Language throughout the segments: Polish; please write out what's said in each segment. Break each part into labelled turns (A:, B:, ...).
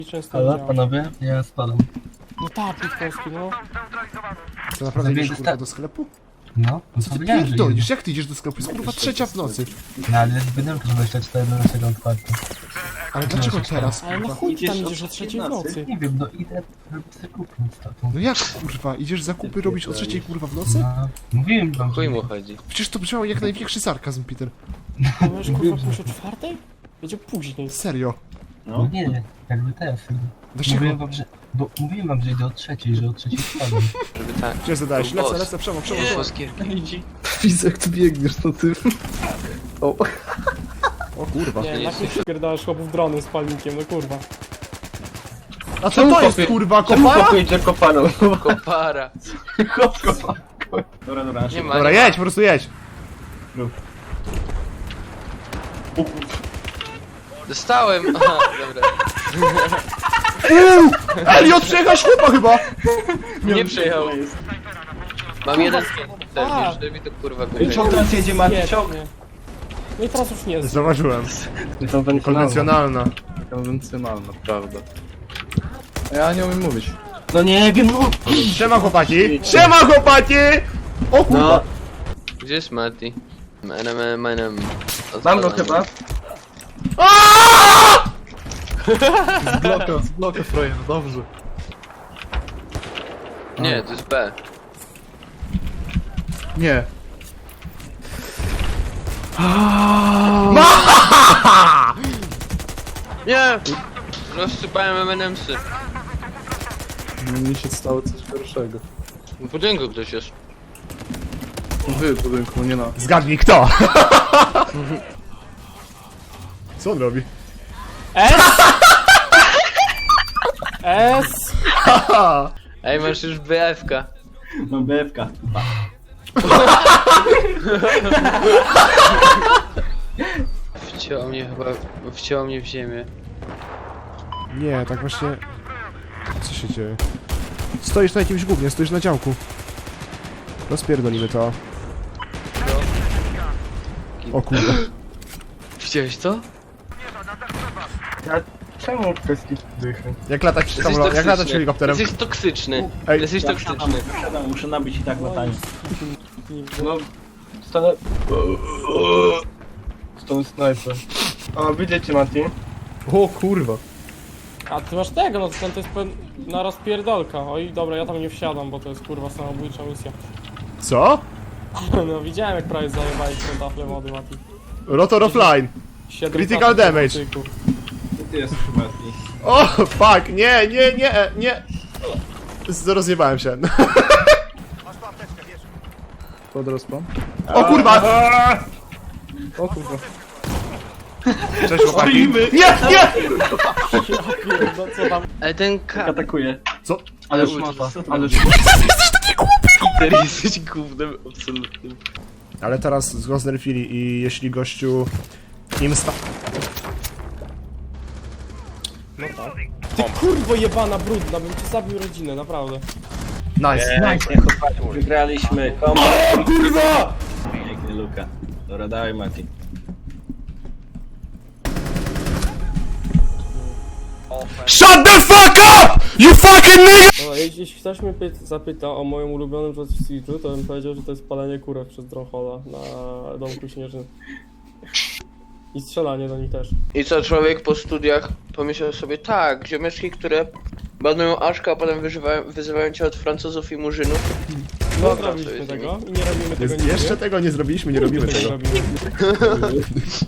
A: Często
B: Ale
A: widziałem.
B: panowie, ja spadam.
A: No tak, plik polski, no.
C: Co, naprawdę idziesz kurwa do sklepu?
B: No,
C: Co ty
B: powiedziałem, że
C: pierdolisz?
B: idę.
C: Jak ty idziesz do sklepu? Jest kurwa 3 w nocy.
B: No ale jest budynku 24 na 7 otwarte.
C: Ale dlaczego teraz
A: Ale na
C: kurwa?
A: chuj ty tam idziesz o 3 w nocy?
B: Nie wiem, no idę robić zakupy z tatą.
C: No jak kurwa? Idziesz zakupy robić o 3 kurwa w nocy?
B: No, mówiłem wam,
D: Chuj
B: że...
D: mu chodzi.
C: Przecież to brzmiało jak największy sarkazm, Peter.
A: A możesz kurwa pójść o 4? Będzie później.
C: Serio.
B: No nie, jakby teraz.
C: Dlaczego?
B: Mówiłem wam, że... Bo mówiłem wam, że idę o 3, że o 3 spadam.
D: Żeby tak.
C: Gdzie zadałeś? Lecę, przemo.
B: Widzę jak ty biegniesz, to ty... O,
C: O kurwa.
A: Nie, na chuj przypierdalasz chłopów dronem z palnikiem, no kurwa.
C: A co to jest kurwa? Kopara?
B: idzie kopaną?
D: Kopara.
B: Dobra.
D: Nie ma.
C: Dobra,
D: nie ma.
C: jedź, po prostu jedź.
D: Dostałem! Aha, dobra.
C: Elliot, przejechałeś chłopa chyba!
D: Nie przejechał. Mam jeden
A: A.
D: też, żeby mi to kurwa kupić.
B: Czołg nas jedzie, Mati, czołg!
A: Świetnie. No i teraz już nie jest.
C: Zauważyłem. Konwencjonalna.
E: Konwencjonalna, prawda. Ja nie umiem mówić.
B: No nie wiem, no!
C: Siema chłopaki! Siema chłopaki! O kurwa!
B: No,
D: Gdzie jest Mati? Menem.
B: mam go chyba.
E: Z bloka frajer, dobrze.
D: Nie, to jest B.
C: Nie.
D: Nie! Rozsypałem M&M'sy.
E: Mi się stało coś gorszego.
D: W budynku ktoś jest.
E: Wy w budynku, nie na.
C: Zgadnij kto! Co on robi?
A: S! S!
D: Ej, masz już BF-ka.
B: Mam BFK.
D: Wcięło mnie w ziemię.
C: Nie, tak właśnie... Co się dzieje? Stoisz na jakimś gównie, stoisz na działku. Rozpierdolimy to. O kurwa.
D: Widziałeś to?
B: Czemu kwestii dychy?
C: Jak latać
D: Jesteś
C: jak latać
D: toksyczny.
C: helikopterem?
D: Jesteś toksyczny.
C: Ej.
D: Jesteś toksyczny.
B: Muszę nabić i tak latanie. No, stanę... Z tą snajper. O, widzicie, Mati?
C: O kurwa.
A: A ty masz tego, no to jest na rozpierdolka. Oj, dobra, ja tam nie wsiadam, bo to jest kurwa samobójcza misja.
C: Co?
A: No widziałem jak prawie zajebali tę taflę wody, Mati.
C: Rotor offline.
A: 7
C: Critical
A: tafli
C: damage.
A: cyków.
B: Ty jesteś, Mati.
C: O, fuck, nie. Rozjebałem się.
E: Pod rozpam?
C: O kurwa!
E: O kurwa.
C: Cześć chłopaki. Nie!
A: Ja pierdolę, co tam?
D: Ale ten K...
B: Atakuje.
C: Co?
B: Ale
D: Ulti.
B: szmata.
D: Ale Peter, jesteś gównem absolutnym.
C: Ale teraz go znerfili i jeśli gościu im sta...
A: No tak. Ty kurwo jebana brudna, bym ci zabił rodzinę, naprawdę.
C: Nice.
B: Wygraliśmy. O kurwa! Piękny Luka. Dobra, dawaj, Mati.
C: Shut the fuck up! You fucking nigga!
A: No, jeśli ktoś mnie zapyta o moim ulubionym Just Siege'u, to bym powiedział, że to jest palenie kurek przez Dronhola na domku śnieżnym. I strzelanie do nich też.
D: I co, człowiek po studiach pomyślał sobie, tak, ziomeczki, które banują Aszka, a potem wyzywają cię od Francuzów i Murzynów.
A: No
D: Dobra,
A: zrobiliśmy
D: to jest
A: tego i nie robimy tego nigdy.
C: Jeszcze tego nie zrobiliśmy, nie robimy
A: Tego nie
C: tego.
A: robimy.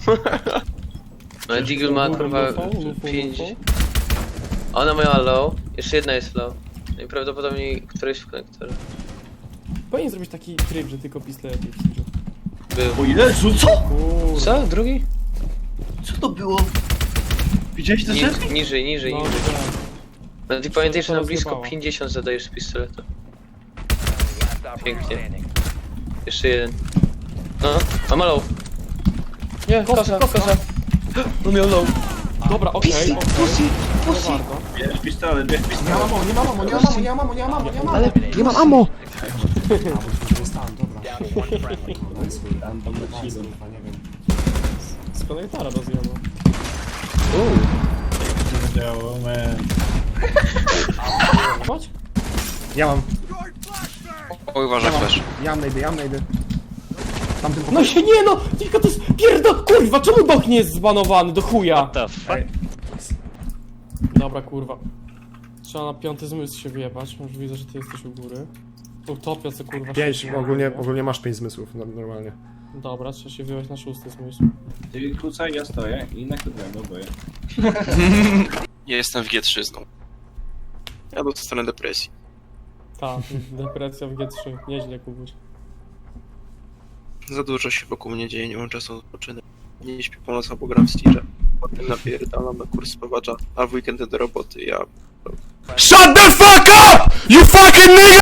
D: No Deagle ma kurwa 5. Ona miała low, jeszcze jedna jest low. No i prawdopodobnie któryś w konektorze.
A: Powinien zrobić taki tryb, że tylko pistolety w Siege'u.
D: Był.
B: O Jezu, co?
A: Kurwa.
D: Co? Drugi?
B: Co to było? Widziałeś te rzeczy?
D: Niżej.
A: No,
D: No ty
A: to
D: pamiętaj, że na blisko
A: rozjebało.
D: 50 zadajesz z pistoletu. Pięknie. Jeszcze jeden. No, a ma low. Nie, kosa. On miał low.
A: Dobra, okej, okej. Nie warto.
B: Bierz pistolet, bierz pistolet.
C: Ale nie mam ammo!
A: Z konektora rozjebał.
B: Działo, man.
A: Chodź.
C: Ja mam.
E: Oj, uważaj, flash.
C: Ja najdę. Tamtym
A: No się nie no! Tylko to jest kurwa, czemu Doch nie jest zbanowany? Do chuja!
E: The fuck?
A: Dobra, kurwa. Trzeba na 5. zmysł się wyjebać. Już widzę, że ty jesteś u góry. Utopia, co kurwa...
C: 5,
A: się
C: ogólnie masz 5 zmysłów, normalnie.
A: Dobra, trzeba się wyjebać na 6. zmysł.
B: Ty kłócaj, ja stoję i na krótko boję.
E: Ja jestem w G3 znowu. Ja dostanę depresji.
A: Tak, depresja w G3. Nieźle, Kubuś.
E: Za dużo się wokół mnie dzieje, nie mam czasu na odpoczynek. Nie śpię po nocach, bo gram w Steerze. Potem napierdalam na kurs spawacza, a w weekendy do roboty ja...
C: SHUT THE FUCK UP! YOU FUCKING NIGGA!